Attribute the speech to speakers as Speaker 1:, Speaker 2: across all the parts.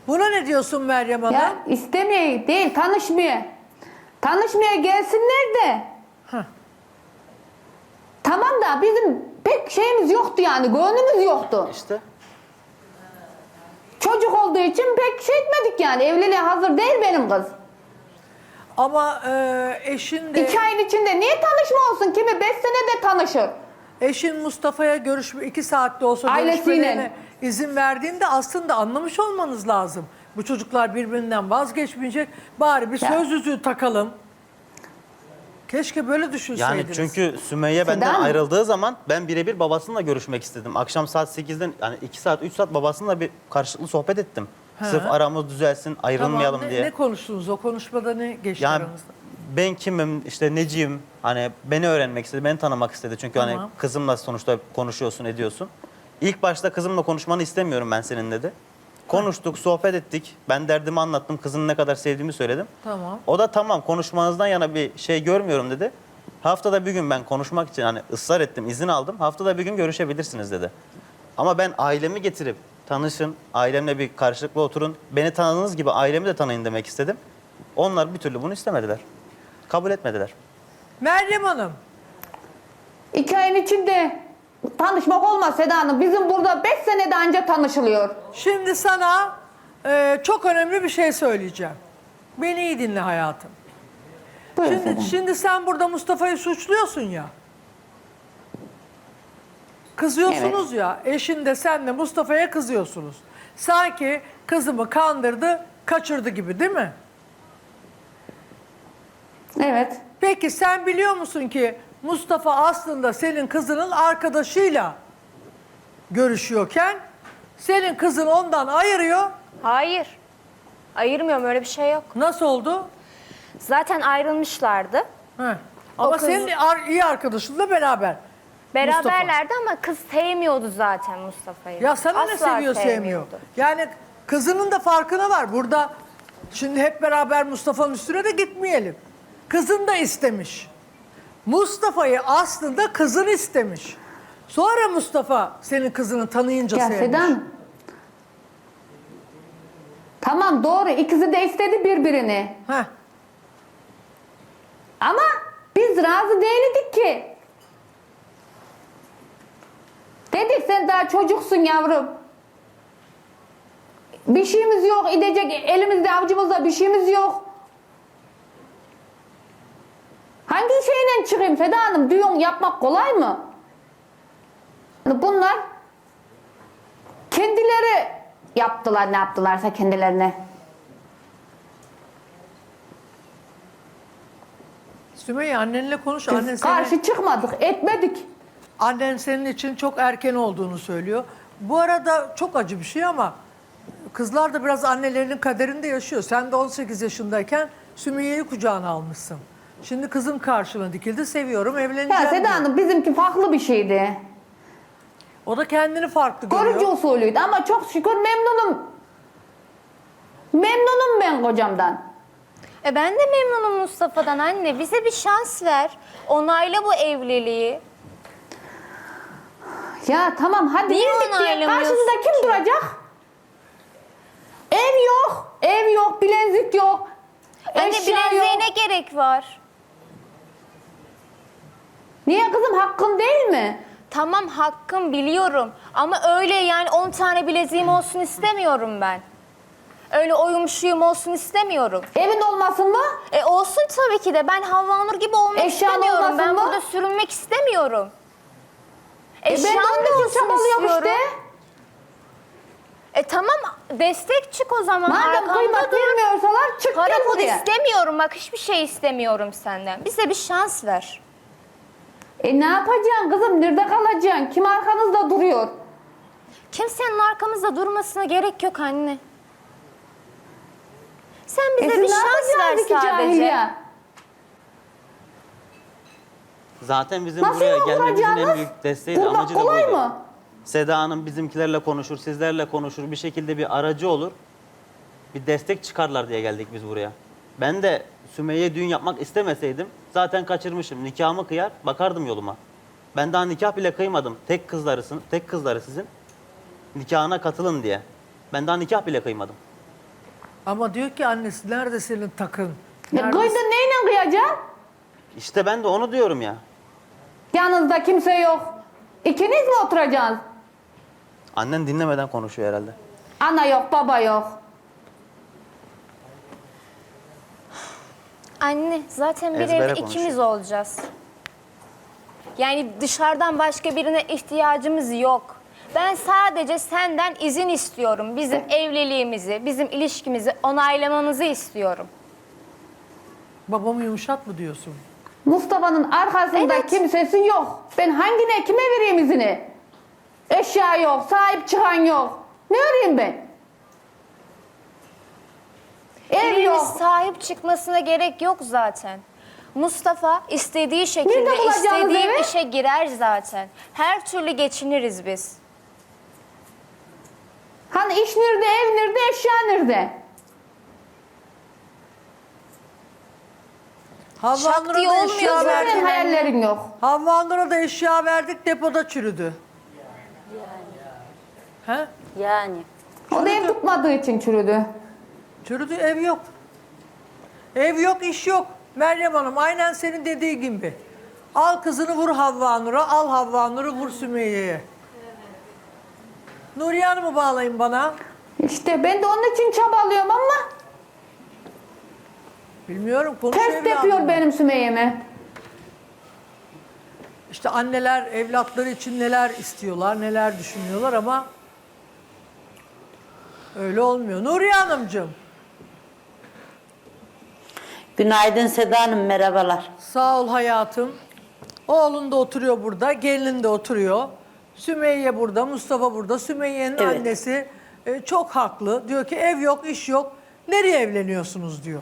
Speaker 1: Buna ne diyorsun Meryem Hanım?
Speaker 2: Ya istemeye değil, tanışmaya. Tanışmaya gelsinler de.
Speaker 1: Heh.
Speaker 2: Tamam da bizim pek şeyimiz yoktu yani, gönlümüz yoktu.
Speaker 3: İşte.
Speaker 2: Çocuk olduğu için pek şey etmedik yani. Evliliğe hazır değil benim kız.
Speaker 1: Ama eşin de...
Speaker 2: 2 ayın içinde niye tanışma olsun? Kimi 5 senede tanışır.
Speaker 1: Eşin Mustafa'ya görüşme 2 saatte olsa
Speaker 2: Ailesiyle.
Speaker 1: görüşmelerine izin verdiğinde aslında anlamış olmanız lazım. Bu çocuklar birbirinden vazgeçmeyecek. Bari bir
Speaker 2: Ya.
Speaker 1: söz yüzüğü takalım. Keşke böyle düşünseydiniz.
Speaker 3: Yani çünkü Sümeyye benden
Speaker 2: Seda mı?
Speaker 3: ayrıldığı zaman ben birebir babasıyla görüşmek istedim. Akşam saat 8'den yani 2 saat 3 saat babasıyla bir karşılıklı sohbet ettim.
Speaker 1: He.
Speaker 3: Sırf aramız düzelsin, ayrılmayalım
Speaker 1: Tamam,
Speaker 3: diye.
Speaker 1: ne konuştunuz? O konuşmada ne geçti
Speaker 3: Yani
Speaker 1: aranızda?
Speaker 3: ben kimim, işte neciyim, hani beni öğrenmek istedi, beni tanımak istedi. Çünkü
Speaker 1: Tamam.
Speaker 3: hani kızımla sonuçta konuşuyorsun, ediyorsun. İlk başta kızımla konuşmanı istemiyorum ben senin dedi. Konuştuk, sohbet ettik. Ben derdimi anlattım, kızını ne kadar sevdiğimi söyledim.
Speaker 1: Tamam.
Speaker 3: O da tamam konuşmanızdan yana bir şey görmüyorum dedi. Haftada bir gün ben konuşmak için hani ısrar ettim, izin aldım. Haftada bir gün görüşebilirsiniz dedi. Ama ben ailemi getirip tanışın, ailemle bir karşılıklı oturun. Beni tanıdığınız gibi ailemi de tanıyın demek istedim. Onlar bir türlü bunu istemediler. Kabul etmediler.
Speaker 1: Meryem Hanım,
Speaker 2: 2 ayın içinde tanışmak olmaz Seda Hanım. Bizim burada 5 senede anca tanışılıyor.
Speaker 1: şimdi sana çok önemli bir şey söyleyeceğim. Beni iyi dinle hayatım.
Speaker 2: Buyurun Seda Hanım.
Speaker 1: Şimdi sen burada Mustafa'yı suçluyorsun ya. Kızıyorsunuz ya. Eşin de sen de Mustafa'ya kızıyorsunuz. Sanki kızımı kandırdı, kaçırdı gibi değil mi?
Speaker 2: Evet.
Speaker 1: Peki sen biliyor musun ki Mustafa aslında senin kızının arkadaşıyla görüşüyorken senin kızın ondan ayırıyor.
Speaker 4: Hayır. Ayırmıyorum, öyle bir şey yok.
Speaker 1: Nasıl oldu?
Speaker 4: Zaten ayrılmışlardı.
Speaker 1: Heh. Ama
Speaker 4: kız-
Speaker 1: senin iyi arkadaşınla beraber.
Speaker 4: Beraberlerdi ama kız sevmiyordu zaten Mustafa'yı.
Speaker 1: Ya sana ne
Speaker 4: Asla
Speaker 1: seviyor sevmiyor.
Speaker 4: sevmiyordu.
Speaker 1: Yani kızının da farkına var. Burada şimdi hep beraber Mustafa'nın üstüne de gitmeyelim. Kızın da istemiş. Mustafa'yı aslında kızın istemiş. Sonra Mustafa senin kızını tanıyınca
Speaker 2: Ya
Speaker 1: sevmiş.
Speaker 2: Seda Hanım. Tamam doğru, ikisi de istedi birbirini.
Speaker 1: Heh.
Speaker 2: Ama biz razı değildik ki. Dedik sen daha çocuksun yavrum. Bir şeyimiz yok, gidecek elimizde avucumuzda bir şeyimiz yok. Hangi şeyle çıkayım Seda Hanım? Düğün yapmak kolay mı? Bunlar kendileri yaptılar, ne yaptılarsa kendilerine.
Speaker 1: Sümeyye annenle konuş.
Speaker 2: Biz karşı çıkmadık, etmedik.
Speaker 1: Annen senin için çok erken olduğunu söylüyor. Bu arada çok acı bir şey ama kızlar da biraz annelerinin kaderinde yaşıyor. Sen de 18 yaşındayken Sümeyye'yi kucağına almışsın. Şimdi kızım karşına dikildi, seviyorum, evleneceğim
Speaker 2: Ya Seda
Speaker 1: diyor.
Speaker 2: Hanım bizimki farklı bir şeydi.
Speaker 1: O da kendini farklı görüyor.
Speaker 2: Görücü usulüydü ama çok şükür memnunum. Memnunum ben kocamdan.
Speaker 4: Ben de memnunum Mustafa'dan anne. Bize bir şans ver. Onayla bu evliliği.
Speaker 2: Ya tamam hadi
Speaker 4: Niye
Speaker 2: verdik diye
Speaker 4: onaylamıyorsun
Speaker 2: karşımızda kim
Speaker 4: ki?
Speaker 2: duracak? Ev yok, bilezik yok.
Speaker 4: Anne
Speaker 2: Eşya
Speaker 4: bileziğe
Speaker 2: yok.
Speaker 4: ne gerek var?
Speaker 2: Niye kızım, hakkın değil mi?
Speaker 4: Tamam hakkım biliyorum. Ama öyle yani 10 tane bileziğim olsun istemiyorum ben. Öyle oyumşuyum olsun istemiyorum.
Speaker 2: Evin olmasın mı?
Speaker 4: Olsun tabii ki de. Ben Havva Nur gibi olmak
Speaker 2: Eşyan
Speaker 4: istemiyorum.
Speaker 2: olmasın
Speaker 4: Ben
Speaker 2: mı?
Speaker 4: burada sürünmek istemiyorum.
Speaker 2: Ben de
Speaker 4: Eşyan
Speaker 2: onun
Speaker 4: da
Speaker 2: için
Speaker 4: olsun
Speaker 2: çabalıyorum
Speaker 4: istiyorum.
Speaker 2: işte.
Speaker 4: Tamam destek çık o zaman.
Speaker 2: Madem
Speaker 4: Arkamda
Speaker 2: kıymet
Speaker 4: dur.
Speaker 2: vermiyorsalar çık
Speaker 4: Para
Speaker 2: gel
Speaker 4: pul
Speaker 2: buraya.
Speaker 4: istemiyorum. Bak hiçbir şey istemiyorum senden. Bize bir şans ver.
Speaker 2: Ne yapacaksın kızım? Nerede kalacaksın? Kim arkanızda duruyor?
Speaker 4: Kimsenin arkamızda durmasına gerek yok anne. Sen bize
Speaker 2: Siz
Speaker 4: bir
Speaker 2: ne
Speaker 4: şans ver
Speaker 2: yapacaksınız ki
Speaker 4: sadece.
Speaker 2: cahiliye?
Speaker 3: Zaten bizim
Speaker 2: Nasıl
Speaker 3: buraya gelmemizin en
Speaker 2: vuracaksınız?
Speaker 3: büyük desteği de
Speaker 2: Vurmak
Speaker 3: amacı da
Speaker 2: kolay
Speaker 3: buydu.
Speaker 2: mı?
Speaker 3: Seda Hanım bizimkilerle konuşur, sizlerle konuşur, bir şekilde bir aracı olur. Bir destek çıkarlar diye geldik biz buraya. Ben de Sümeyye düğün yapmak istemeseydim zaten kaçırmışım. Nikahımı kıyar, bakardım yoluma. Ben daha nikah bile kıymadım. Tek kızları sizin. Nikahına katılın diye. Ben daha nikah bile kıymadım.
Speaker 1: Ama diyor ki annesi nerede senin takın?
Speaker 2: Ya
Speaker 1: Nerede-
Speaker 2: kıydın neyle kıyacaksın?
Speaker 3: İşte ben de onu diyorum ya.
Speaker 2: Yanınızda kimse yok. İkiniz mi oturacaksınız?
Speaker 3: Annen dinlemeden konuşuyor herhalde.
Speaker 2: Ana yok, baba yok.
Speaker 4: Anne zaten bir
Speaker 3: Ezbere
Speaker 4: evde
Speaker 3: konuşuyor.
Speaker 4: ikimiz olacağız. Yani dışarıdan başka birine ihtiyacımız yok. Ben sadece senden izin istiyorum. Bizim evliliğimizi, bizim ilişkimizi onaylamanızı istiyorum.
Speaker 1: Babamı yumuşat mı diyorsun?
Speaker 2: Mustafa'nın arkasında
Speaker 4: Evet.
Speaker 2: kimsesi yok. Ben hangine, kime vereyim izini? Eşya yok, sahip çıkan yok. Ne öreyim ben? Ev
Speaker 4: Birinin
Speaker 2: yok.
Speaker 4: sahip çıkmasına gerek yok zaten. Mustafa istediği şekilde
Speaker 2: Nerede bulacağınız
Speaker 4: istediği
Speaker 2: evi?
Speaker 4: işe girer zaten. Her türlü geçiniriz biz.
Speaker 2: Hani iş nerede, ev nerede, eşya nerede?
Speaker 1: Havva
Speaker 4: Şak
Speaker 1: Nur'a
Speaker 4: diye
Speaker 1: da
Speaker 4: olmuyor
Speaker 1: eşya
Speaker 4: zaten.
Speaker 1: verdik.
Speaker 2: Senin hayallerin yok.
Speaker 1: Havva Nur'a da eşya verdik, depoda çürüdü. He?
Speaker 5: Yani.
Speaker 2: O da ev tutmadığı için çürüdü.
Speaker 1: Çürüdü, ev yok. Ev yok, iş yok. Meryem Hanım aynen senin dediği gibi. Al kızını vur Havva Nur'a, al Havva Nur'u vur Sümeyye'ye. Nuriye Hanım'ı bağlayın bana.
Speaker 2: İşte ben de onun için çabalıyorum ama
Speaker 1: Bilmiyorum, konuş
Speaker 2: ters
Speaker 1: evladım.
Speaker 2: yapıyor benim Sümeyye'me.
Speaker 1: İşte anneler evlatları için neler istiyorlar, neler düşünüyorlar ama öyle olmuyor. Nuriye Hanımcığım,
Speaker 5: Günaydın Seda Hanım, merhabalar.
Speaker 1: sağ ol hayatım. Oğlun da oturuyor burada, gelinin de oturuyor. Sümeyye burada, Mustafa burada. Sümeyye'nin
Speaker 5: Evet.
Speaker 1: annesi çok haklı. Diyor ki ev yok, iş yok. Nereye evleniyorsunuz diyor.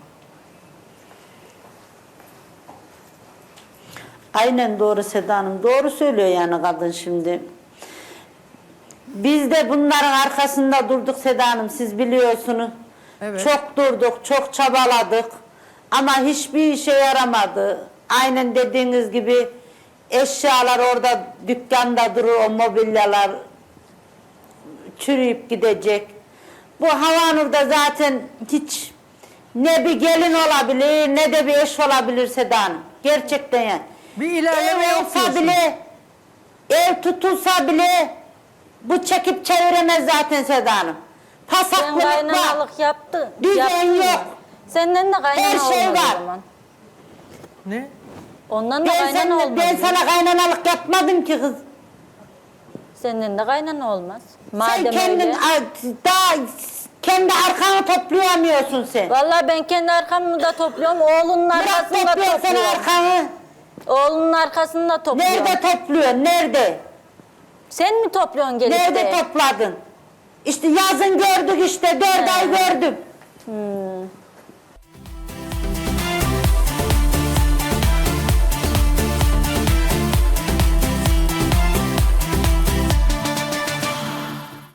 Speaker 5: Aynen doğru Seda Hanım. Doğru söylüyor yani kadın şimdi. Biz de bunların arkasında durduk Seda Hanım, siz biliyorsunuz.
Speaker 1: Evet.
Speaker 5: Çok durduk, çok çabaladık. Ama hiçbir işe yaramadı. Aynen dediğiniz gibi eşyalar orada dükkanda durur, o mobilyalar çürüyüp gidecek. Bu Havanur'da zaten hiç ne bir gelin olabilir ne de bir eş olabilir Seda Hanım. Gerçekten yani.
Speaker 1: Bir ilerleme
Speaker 5: Ev
Speaker 1: yok
Speaker 5: olsa
Speaker 1: diyorsun.
Speaker 5: bile, ev tutulsa bile bu çekip çeviremez zaten Seda Hanım.
Speaker 6: Sen
Speaker 5: Pasaklık var.
Speaker 6: kaynanalık yaptın.
Speaker 5: Düzen
Speaker 6: yaptın mı?
Speaker 5: yok.
Speaker 6: Senden de kaynana
Speaker 5: Her şey
Speaker 6: olmaz
Speaker 5: var.
Speaker 6: o zaman.
Speaker 1: Ne?
Speaker 6: Ondan da
Speaker 5: Ben,
Speaker 6: kaynana olmaz.
Speaker 5: ben sana kaynanalık yapmadım ki kız.
Speaker 6: Senden de kaynana olmaz.
Speaker 5: Sen
Speaker 6: Madem
Speaker 5: kendin
Speaker 6: öyle.
Speaker 5: daha kendi arkanı toplayamıyorsun sen.
Speaker 6: Vallahi ben kendi arkamı da topluyorum. Oğlunun
Speaker 5: Bırak
Speaker 6: arkasını da
Speaker 5: topluyor sen
Speaker 6: topluyorum.
Speaker 5: arkanı.
Speaker 6: Oğlunun arkasını da topluyorum.
Speaker 5: Nerede topluyorsun? Nerede?
Speaker 6: Sen mi topluyorsun gelip
Speaker 5: Nerede
Speaker 6: de?
Speaker 5: topladın? İşte yazın gördük işte. 4 ay gördüm.